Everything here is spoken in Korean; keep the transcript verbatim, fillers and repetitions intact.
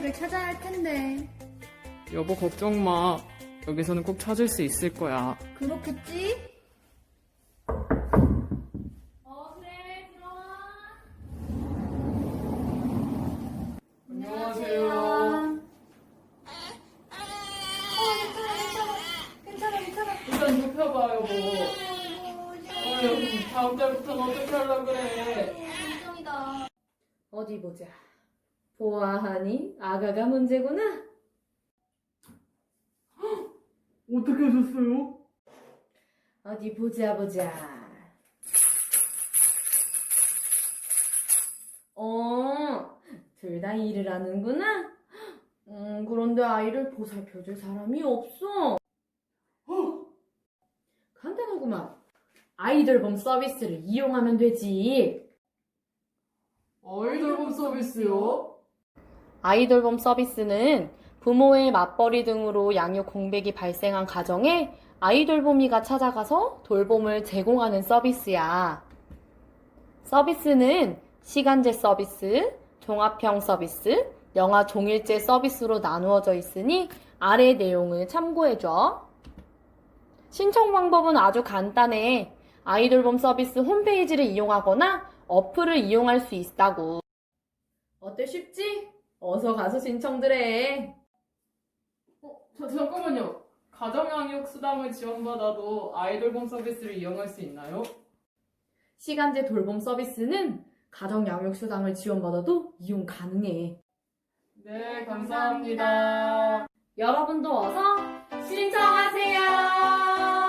아이를 찾아야 할 텐데. 여보 걱정 마. 여기서는 꼭 찾을 수 있을 거야. 그렇겠지? 어, 그래, 들어와. 안녕하세요. 괜찮아, 괜찮아. 일단 눕혀봐 여보. 어, 여기 다음 달부터는 어떻게 하려고 그래. 걱정이다. 어디 보자. 보아하니? 아가가 문제구나? 어떻게 하셨어요? 어디 보자, 보자. 어, 둘 다 일을 하는구나? 음, 그런데 아이를 보살펴줄 사람이 없어. 간단하구만. 아이돌봄 서비스를 이용하면 되지. 아이돌봄 서비스요? 아이돌봄 서비스는 부모의 맞벌이 등으로 양육 공백이 발생한 가정에 아이돌봄이가 찾아가서 돌봄을 제공하는 서비스야. 서비스는 시간제 서비스, 종합형 서비스, 영아 종일제 서비스로 나누어져 있으니 아래 내용을 참고해줘. 신청 방법은 아주 간단해. 아이돌봄 서비스 홈페이지를 이용하거나 어플을 이용할 수 있다고. 어때, 쉽지? 어서 가서 신청들 해. 어, 저, 잠깐만요. 가정양육 수당을 지원받아도 아이돌봄 서비스를 이용할 수 있나요? 시간제 돌봄 서비스는 가정 양육 수당을 지원받아도 이용 가능해. 네, 감사합니다. 여러분도 어서 신청하세요.